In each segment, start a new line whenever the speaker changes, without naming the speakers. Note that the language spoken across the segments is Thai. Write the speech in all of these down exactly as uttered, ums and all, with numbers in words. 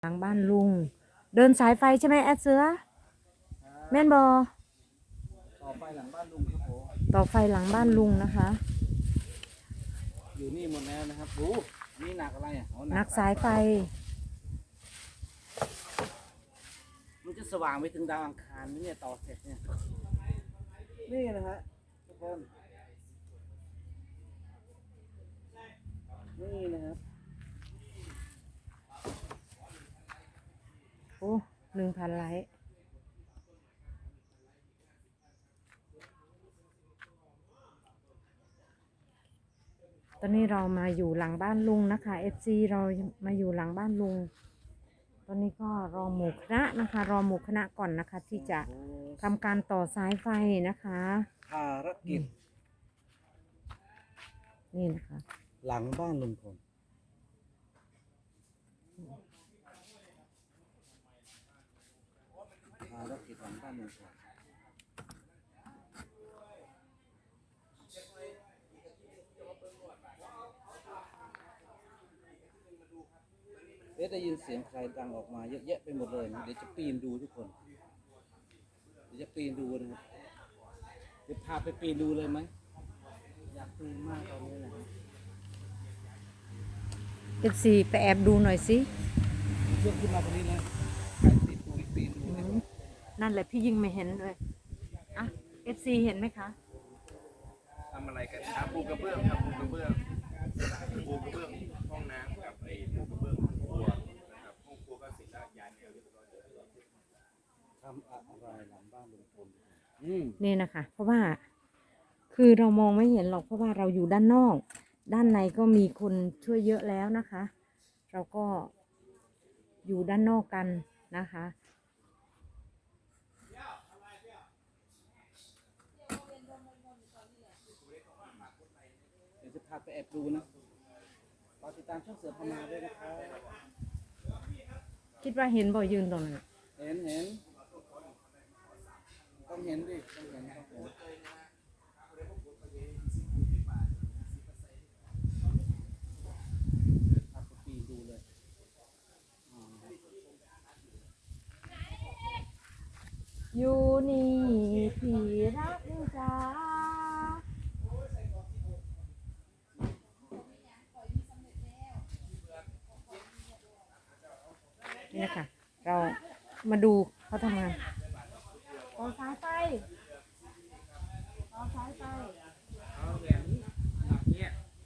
หลังบ้านลุงเดินสายไฟใช่ไหมแอดเสือแม่นบอ
ต่อไฟหลังบ้านลุงครับผม
ต่อไฟหลังบ้านลุงนะคะ
อยู่นี่หมดแล้วนะครับโอ้นี่หนักอะไรอ่ะ
หนักสายไฟ
มันจะสว่างไปถึงดาวอังคารนี่เนี่ยต่อเสร็จเนี่ยนี่นะฮะทุกคนนี่นะครับ
โอ้หนึ่งพันไลค์ตอนนี้เรามาอยู่หลังบ้านลุงนะคะ เอฟ ซี เรามาอยู่หลังบ้านลุงตอนนี้ก็รอหมู่คณะนะคะรอหมู่คณะก่อนนะคะที่จะทำการต่อสายไฟนะคะ
ภารกิจ
นี่นะคะ
หลังบ้านลุงพลภารกิจหลังบ้านลุงพลเอ๊ะได้ยินเสียงใครดังออกมาเยอะแยะไปหมดเลยนะเดี๋ยวจะปีนดูทุกคนเดี๋ยวจะปีนดูนะครับเดี๋ยวพาไปปีนดูเลยไหมอยากปีนมากตอนนี้นะ
เอฟซีไปแอบดูหน่อยสิ
ยกขึ้นมาตรงนี้เลยติดปูปีนดูนะ
นั่นแหละพี่ยิ่งไม่เห็นเลยอ่ะเอฟซีเห็นไหมคะ
ทำอะไรกันครับปูกระเบื้องครับปูกระเบื้องปูกระเบื้องห้องน้ำกับไอ้ปูกระเบื้องห้องครัวนะครับห้องครัวก็เสร็จแล้วย้ายแนวเรียบร้อยแล้ว
ทำอะไรหลังบ้านลุงพล
นี่นะคะเพราะว่าคือเรามองไม่เห็นหรอกเพราะว่าเราอยู่ด้านนอกด้านในก็มีคนช่วยเยอะแล้วนะคะ เราก็อยู่ด้านนอกกันนะคะ
เดี๋ยวจะพาไปแอบดูนะรอติดตามช่องเสือพมาด้วยนะครับ
คิดว่าเห็นบ่ยืนตรงนั้น
เห็นเห็นต้องเห็นดิต้องเห็นต้องเห็นพาไปปีดูเลย
อยู่นี่พี่รักจ้านี่นะคะเรามาดูเขาทำงานต่อสายไฟต่อสายไฟ
เอาแบบนี้แบบนี้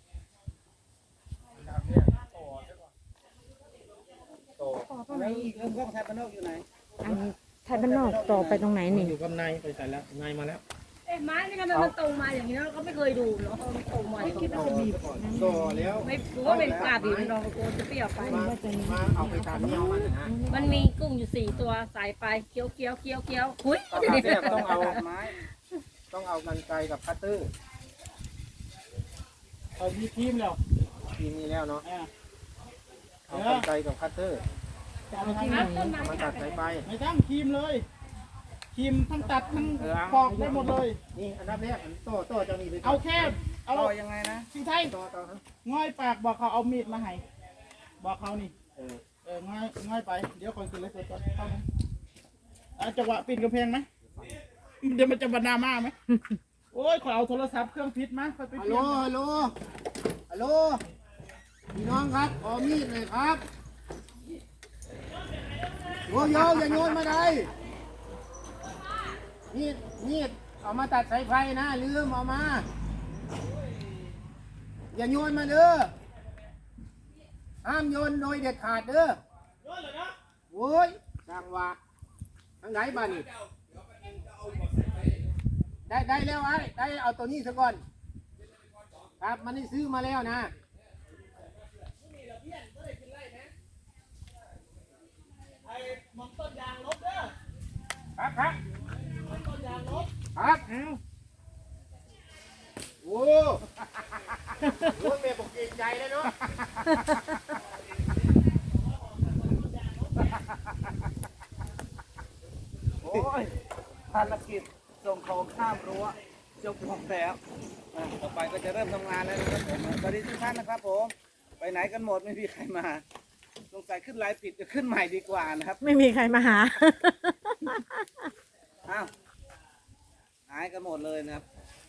แบบนี้ต่อใช่ป่ะต่อต่อตรงไหนอีกเริ่มกล้องไทยบ้านนอกอยู่ไหน
อันนี้ไทยบ้านนอกต่อไปตรงไหนนี่
อยู่กับนายไปใส่แล้วนายมาแล้ว
เอ๊ะไม้นี่ทำไมมันตรงมาอย่างนี้เราก็ไม่เคยดูเนาะมันตรงมาอย่างนี้
ต่อต่อแล้ว
ไม่รู้ว่าเป็นกาบีมันรองโกนจะเปรี้ยวไป
มาเอาไปตามนี้เอามานะฮะ
มันมีกุ้งอยู่สี่ตัวสายไปเคี้ยวเคี้ยวเคี้ยวเคี้ยวหุ้ย
ต้องเอาไม้ต้องเอากันไกลกับคัตเตอร์เอามีทีมแล้วทีมนี้แล้วเนาะเอากันไกลกับคัตเตอร์มันตัดสายไฟไม่ต้องทีมเลยทีมทั้งตัดทั้งปอกได้หมดเลยนี่อันดับแรกโต้โต้จะมีไปเอาแค่เอา
ยังไงนะ
พี่ไทยต่อต่อง่อยปากบอกเขาเอามีดมาให้บอกเขานี่เออเออง่อยง่อยไปเดี๋ยวคนกินเลยตัวเข้านะจังหวะปีนกระเพงไหมเดี๋ยวมันจะบรรณามาไหมโอ้ยขอเอาโทรศัพท์เครื่องพิษมาไปฮัลโหลฮัลโหลฮัลโหลพี่น้องครับขอมีดเลยครับโยโย่อย่าโยนมาได้มีดมีดเอามาตัดสายไฟนะลืมเอามาอย่าโยนมาเด้อห้ามโยนโดยเด็ดขาดเด้อโยนเลยนะโว้ยจังหวะทางไหนบ้านี่ได้ได้แล้วไอ้ได้เอาตัวนี้ซะก่อนครับมันได้ซื้อมาแล้วนะครับครับครับโอ้โหแม่บอกเกรงใจเลยเนาะโอ้ยภารกิจส่งของข้ามรั้วจบลงแล้วต่อไปก็จะเริ่มทำงานแล้วนะครับผมสวัสดีทุกท่านนะครับผมไปไหนกันหมดไม่มีใครมา
สงสัยขึ้นไลฟ์ผิดจะขึ้นใหม่ดีกว่านะครับ
ไม่มีใครมาหา
อ้าวหายกันหมดเลยนะครับ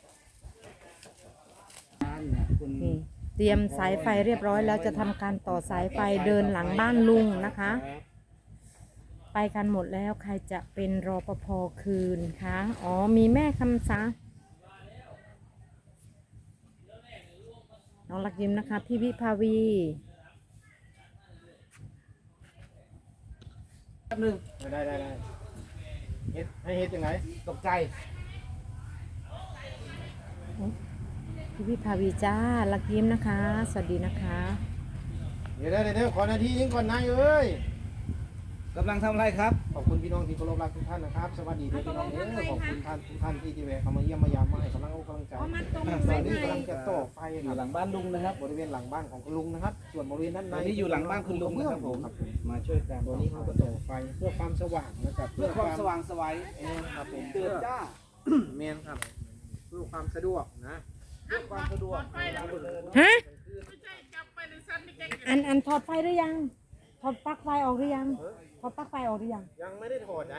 บ้านเนี่ยคุณ
นี่เตรียมสายไฟเรียบร้อยแล้วจะทำการต่อสายไฟเดินหลังบ้านลุงนะคะ ไปกันหมดแล้วใครจะเป็นรปภคืนคะอ๋อมีแม่คำสาน้องลักยิ้มนะคะ พี่วิภาวี
แป๊บนึง
ได้ได้ได้เฮ็ดให้เฮ็ดยังไง
ตกใจ
พี่วิภาวีจ้าลักยิ้มนะคะ สวัสดีนะคะ
เดี๋ยวเดี๋ยวเดี๋ยวขอนาทีนึงก่อนนายเอ้ย
กำลังทำอะไรครับ
ขอบคุณพี่น้องที่เคารพรักทุกท่านนะครับ สวัสดีทุกพี่น้องเด้อขอบคุณท่านทุกท่านที่ที่แวะเข้ามาเยี่ยมมายามมาให้กำลังอกกำลังใจตอนนี้กำลังจะต่อไฟ
อ
ค
ยู่
รับ
หลังบ้านลุงนะครับ
บริเวณหลังบ้านของคุณลุงนะครับ ส่วนบริเวณด้านใน
ตอนนี้อยู่หลังบ้านคุณลุงนะครับผม
ครับ
มาช่วยกัน
ตัวนี้เขาก็ต่อไฟเพื่อความสว่างนะครับ
เพื่อความสว่างไสวัย
เองครับผม
เตือนจ้า
เมนครับเพื่อความสะดวกนะเพื่อความสะดวก
ฮะอันอันถอดไฟหรือยังถอดปลั๊กไฟออกหรือยังถอดปลั๊กไฟออกหรือยัง
ยังไม่ได้ถอดนะ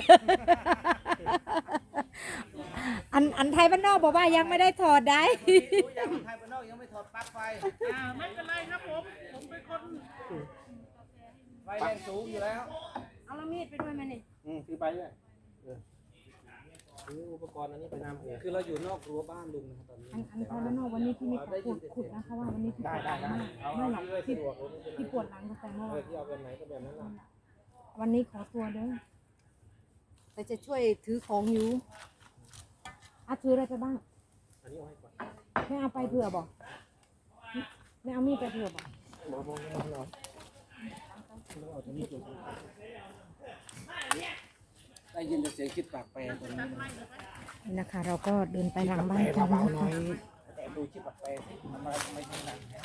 อันอันไทยบ้านนอกบอกว่ายังไม่ได้ถอดได้
รู้ยังไทยบ้านนอกยังไม่ถอดปลั๊กไฟ
อ่าไม่เป็นไรครับผมผมเป็นคน
ไฟแรงสูงอยู่แล้ว
เอาละมีดไปด้วยไหมนี่
อืมคือไปด้วยเออซื้ออุปกรณ์อันนี้ไปนำเอง
คือเราอยู่นอกรั้วบ้านลุงนะครับตอนนี้
อันอันไทยบ้านนอกวันนี้ที่มีขอขุดขุดนะคะว่าวันนี้ที่ป
ได้
วดห
ได้
ลัง
ได้
มาก
เอา
ไม่หรอก
ที่
ที่
สะดวกเลยไม่เป็นไร
ที่ปวดหลังตั้งแต่เมื่อ
เอ
วา
อน ที่เอาแบบไหนก็แบบนั้นนะ
วันนี้ขอตัวเด้อแต่จะช่วยถือของอยู่อ่ะถืออะไรไปบ้าง
อันนี้เอาให้ก่อน
ไม่เอาไปเผื่อบอกไม่เอามีดไปเผื่อบอก
บอกบอกบอกเราเราเอาตัวนี้จุด
ได้ยินแต่เสียงคิดปากแปรตอนนี้นะ
นี่นะคะ เราก็เดินไปหลังบ้านกัน
เบา
นะ
ๆหน่อ
คะ
ย
แต่ดูคิดปากแปรสิทำอะไรทำไมถึงหนักแท้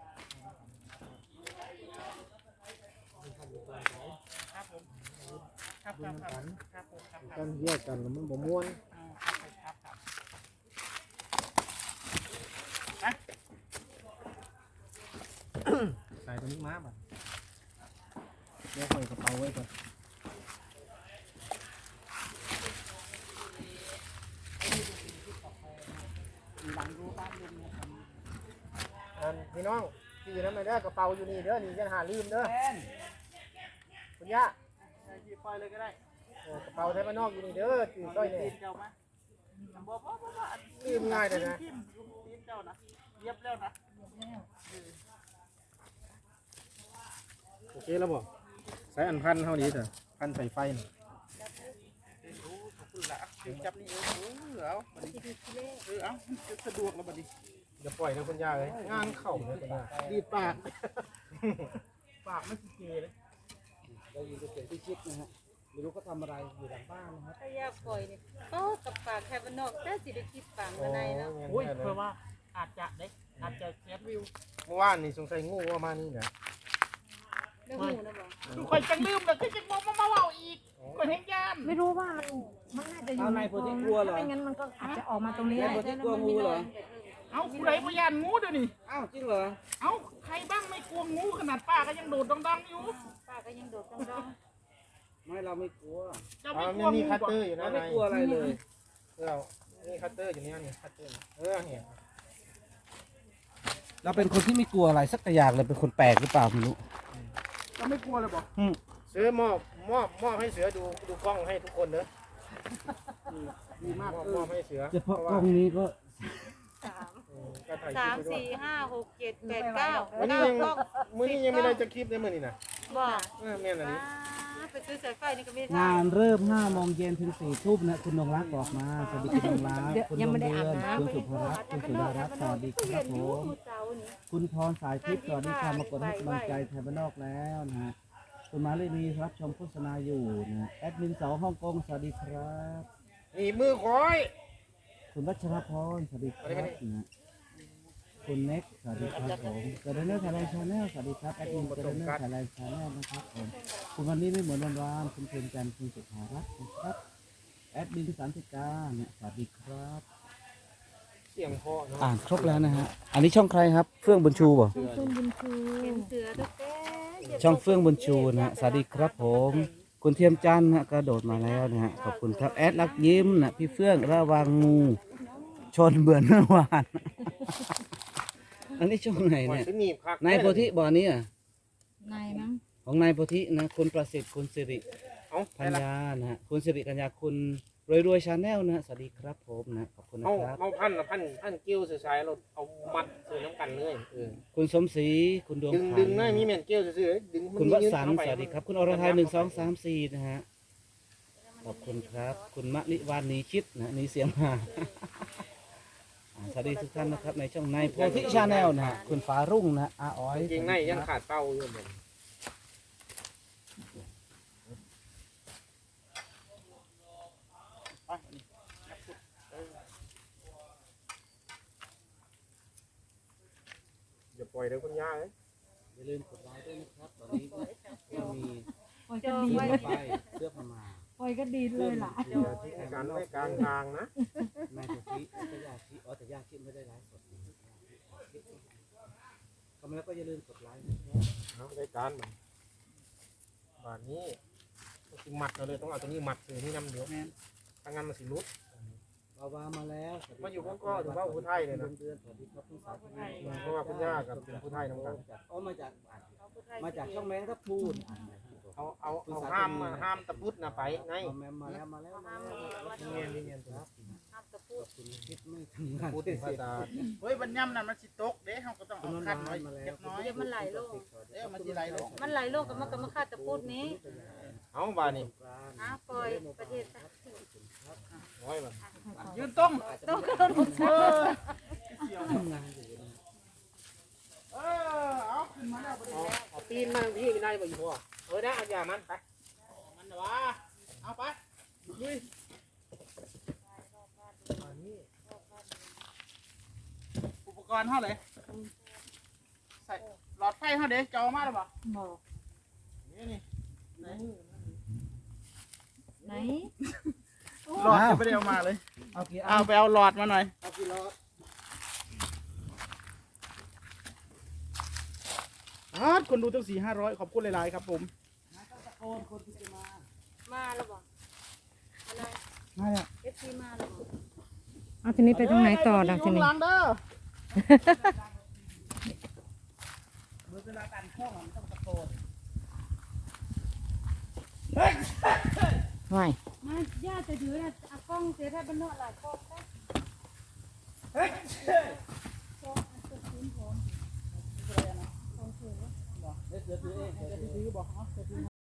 ครับครับครับครับผมครับกันแยกกันแล้วมันบ่ม่วนใส่ตัวนี้มาบ่เดี๋ยวใส่กระเป๋าไว้ก่อนอันพี่น้องที่อยู่นั่นไม่ได้กระเป๋าอยู่นี่เด้อนี่จะหาลืมเด้อคุณย่าหยิบไปเลยก็ได้กระเป๋าไทยบ้านนอกอยู่นี่เด้อตื่นต้อยเนี่ยลืมง่ายเลยนะโอเคแล้วบ่ใส่อันพันเท่านี้เถอะพันใส่ไฟหน่อยจับนี่เออเอาเออเอาสะดวกแล้วบัดนี้อย่าปล่อยนะคุณย่าเลยงานเข่าเลยคุณย่าดีปากปากไม่เกเลย
ได้ยินแต่เสียงที่คิดนะฮะไม่รู้เขาทำอะไรอยู่หลังบ้านนะครับ
ถ้ายาปล่อยนี่ก็กับปากแค่บ้านนอกแต่สิได้คิดปากมาในเนาะ
โอ้ยเพื่อว่าอาจจะได้อาจจะแก๊สวิวเมื่อวานนี่สงสัยงูว่ามานี่แหละ
เรื่องหูนะบอก
คอยจังลืมเลยคือจะบอกมาเมาอีกคนเห็นยาม
ไม่รู้ว่ามันมันน่าจะอยู่
เอาในคนที่กลัวเหรอ
ไม่งั้นมันก็อาจจะออกมาตรงนี้
ในคนที่กลัวงูเหรอ
เอาผู้ใดพยานงูเดี๋ยวนี้
อ้าวจริงเหรอ
เอาใครบ้างไม่กลัวงูขนาดป้าก็ยังโดดดังๆอยู่
ป้าก็ยังโดดดอง
ไม่เราไม่กลัว
จะไม่กลัวงูคัตเตอร์อยู่
เรา
นะ
ไม่กลัวอะไรเลย
เรานี่คัตเตอร์อยู่นี่นี่คัตเตอร์เออเนี่ย
เราเป็นคนที่ไม่กลัวอะไรสักอย่างเลยเป็นคนแปลกหรือเปล่าไม่รู้
จะไม่กลัวเลยบอกเสือมอบมอบมอบให้เสือดูดูกล้องให้ทุกคนเนอะดีมากมอบมอบให้เสือ
เฉพาะกล้องนี้ก็
สาม
ก็ถ่ายค
สา
ลิ
ม
ปไปด้วย
สี่ห้าหกเจ็ดแปดเก้า
วันนี้
เก้า
ยัง
กล้อง
มื้อนี้ยังไม่ได้จะคลิปเลยมื้อนี้นะ
บอก
เออแม่นอันนี้
ไปซื้อสายไฟนี่ก็ไม่ได้
งานเริ่มห้าโมงเย็นถึงสี่ทุ่มนะคุณนงรักบอกมาสวัสดีคุณนงรัก
เดี๋ยว
คุณ
ยัง
น
ไม่
ง
ได้
เดื
อาบ
อน
น้ำ
คุณสุภรัตน์คุณสุดารัตน์สวัสดีครับผม
เจ้านี่
คุณพรสายทิพย์สวัสดีค่ะมากดให้กำลังใจไทยบ้านนอกแล้วนะฮะคุณมาลีนีรับชมโฆษณาอยู่นะแอดมินสาวฮ่องกงสวัสดีครับ
นี่มือคอย
คุณวัชรพรสวัสดีครับนะคุณเน็กสวัสดีครับผมกระเดนเนอร์ไทยแลนด์ชาแนลสวัสดีครับแอดมินกระเดนเนอร์ไทยแลนด์ชาแนลนะครับผมคุณวันนี้ไม่เหมือนวันวานคุณเพียงจันทร์คุณสุภารัตน์นะครับแอดมินสันติกาเนี่ยสวัสดีครับ
เสียงพ่อเนาะ
อ่านครบแล้วนะฮะอันนี้ช่องใครครับเฟื่องบุญชูป่ะ
คุณบุญชู
เห็นเสือตุ๊กแก
ช่องเฟื่องบุญชูนะฮะสวัสดีครับผม คุณเทียมจันทร์นะกระโดดมาแล้วนะฮะขอบคุณครับแอดลักยิ้มนะพี่เฟื่องระวังงูชนเบื่อเมื่อวาน อันนี้ช่องไหนเนี่ยนายโพธิบ่อนี้อ่ะ
นายมั้ง
ของนายโพธินะคุณประสิทธิ์คุณสิริพัญญานะฮะคุณสิริกัญญาคุณรวยรวยชาแนลนะฮะสวัสดีครับผมนะขอบคุณนะ
เอา
ครับ
เอาพันนะพันพันกิ้วสื่อสายเราเอามัดสื่อน้ำกันเลยเออ
คุณสมศรีคุณดวง
ดึง
ขัน
ดึงนะมีแมนกิ้วสื่อๆดึงมัน
คุณวสันต์
ยืดเข้าไป
สวัสดีครับ คุณอรทัยหนึ่งสองสามสี่นะฮะขอบคุณครับ คุณมะลิวานนีคิดนะหนีเสียงมา อ่าสวัสดีทุกท่านนะครับ ในช่องในโพธิชาแนลนะฮะคุณฟ้ารุ่งนะอาอ้อย
จริงๆในยังขาดเป้าอยู่เหมือน
ไป
อย่าปล่อยเดี๋ยวคุณย่าเลย
อย่าลืมกดไลค์ด้วยนะครับ ตอนนี้ก็มี
ปล่อย
จ
ก็
อง
ดี
ไว้
ไปเสื้อพม่า
ปล่อยก็ดีเลยล่ะ
อย่าทิ้งกันไว้กลางทางนะ
นายโพธิก็ยาคิอ๋อแต่ยาคิไม่ได้ไลฟ์สดก็มาแล้วก็อย่าลืมกดไลค์นะครับ
เอาได้การมันบาทนี้ต้องสิมัดเราเลยต้องเอาตัวนี้มัดสื่อที่น้ำเดียวถ้างั้นมันสิรุด
บาวามาแล้ว
มาอยู่พวกก็ถือว่าผู้ไทยเลยนะ
เดือนสวัสดีครับคุณสาวไทย
เพราะว่าคุณย่ากับเป็นผู้ไทยน้ำกัน
อ๋อมาจากมาจากช่องแมงทับพูน
เอาเอาเอาห้ามมาห้ามตะพุดนะไปไง
แมมมาแล้วมาแล้วมาแล้ว
เงียนเงียนตัว
ห้ามตะพูด
คุณคิดไม่ทำงาน
พูดถึงภาษา
เฮ้ยบันย่ำนั่นมันสิตกเด้เฮาก็ต้อง
คุ
เอา
ณน
คัด
น
ไว้
ท์มาแล้
เล็
ว
กน้อย
เดี๋ยวมันไหลลง
เอ้ยมันสิไหลลง
มันไหลลงกับมันก็มาฆ่าตะพูดนี้
เอาบาทนี่
อ่ะปล่อยประเทศไทย
ร้อยบาท
ยืนตรง
ต้องกระโดดลง
เออ
ทำงานอยู่นะ
เออเอาขึ้นมาแล้วบัดนี้
เอาปีนมาพี่ไม่ได้บ่อยู่พ่อเออได้เอาอย่ามันไป
มันน่ะวะเอาไปลุยอุปกรณ์เท่าไหร่ใส่หลอดไฟเท่าเด้จอมาแล้วบ่
บอก
นี่นี่ไหน
ไหน
หลอดจะไม่ได้เอามาเลย
เอากี่อั
เอา
น
ไปเอาหลอดมาหน่อย
เอากี่รอบ
อาร์ตคนดูตั้งสี่ห้าร้อยขอบคุณหลายๆครับผม
มาแล้วบอกอะไร
มาแล้ว
เอฟซีมาแล้วบอก
เอาทีนี้ไปตรงไหนต่อดังทีนี้
ล้างเด้อ
ไหว
มาย่าจะถือนะเอากล้องเสียถ้าเป็นนวดหลายกล้องได้
เดี๋ยวถือเองเดี๋ยวถือบอกเนาะ